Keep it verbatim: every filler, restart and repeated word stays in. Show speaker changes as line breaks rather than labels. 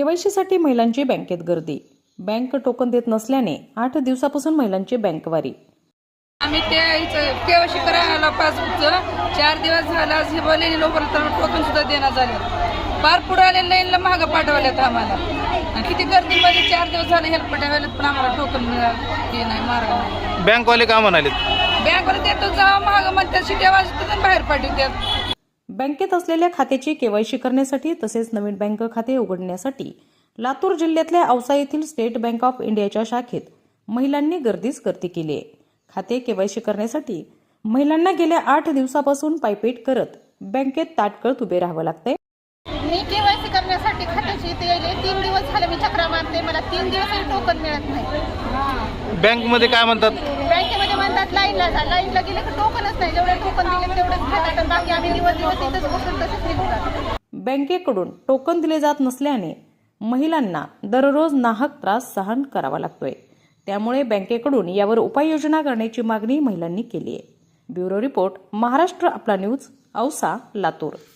केवायसीसाठी महिलांची बँकेत गर्दी. बँक टोकन देत नसल्याने आठ दिवसापासून महिलांची बँकवारी.
आम्ही केवायसी करायला पासबुकचं चार दिवस झाला हे बोललेले लोकांना टोकन सुद्धा देण्यात झाले. फार पुढे आले लाईनला महाग पाठवल्यात आम्हाला. आणि किती गर्दीमध्ये चार दिवस झाले हेल्प पाठवल्यात पण आम्हाला टोकन मिळालं हे नाही मार्ग नाही.
बँकवाले का म्हणाले?
बँकवाले देतो जावा महाग म्हणतात शिट्या वाजतात बाहेर पाठवतात.
बँकेत असलेल्या खात्याची केवायसी करण्यासाठी तसेच नवीन बँक खाते उघडण्यासाठी लातूर जिल्ह्यातल्या औसा येथील स्टेट बँक ऑफ इंडियाच्या शाखेत महिलांनी गर्दीच गर्दी केली आहे. खाते केवायसी करण्यासाठी महिलांना गेल्या आठ दिवसापासून पायपीट करत बँकेत ताटकळत उभे राहावं लागतंय.
मी केवायसी करण्यासाठी खात्याची इथे गेले तीन दिवस झाले मी चक्रा मारते, मला तीन दिवसही टोकन मिळत नाही.
बँकमध्ये काय म्हणतात?
बँकेमध्ये म्हणतात लाईनला जा, लाईनला गेले तर टोकनच नाही. जेवढे टोकन दिले तेवढेच घेतात, बाकी आम्ही दिवस दिवस इथंच बसून तसंच निघतात.
बँकेकडून टोकन दिले जात नसल्याने महिलांना दररोज नाहक त्रास सहन करावा लागतोय. त्यामुळे बँकेकडून यावर उपाययोजना करण्याची मागणी महिलांनी केली आहे. ब्युरो रिपोर्ट, महाराष्ट्र आपला न्यूज, औसा, लातूर.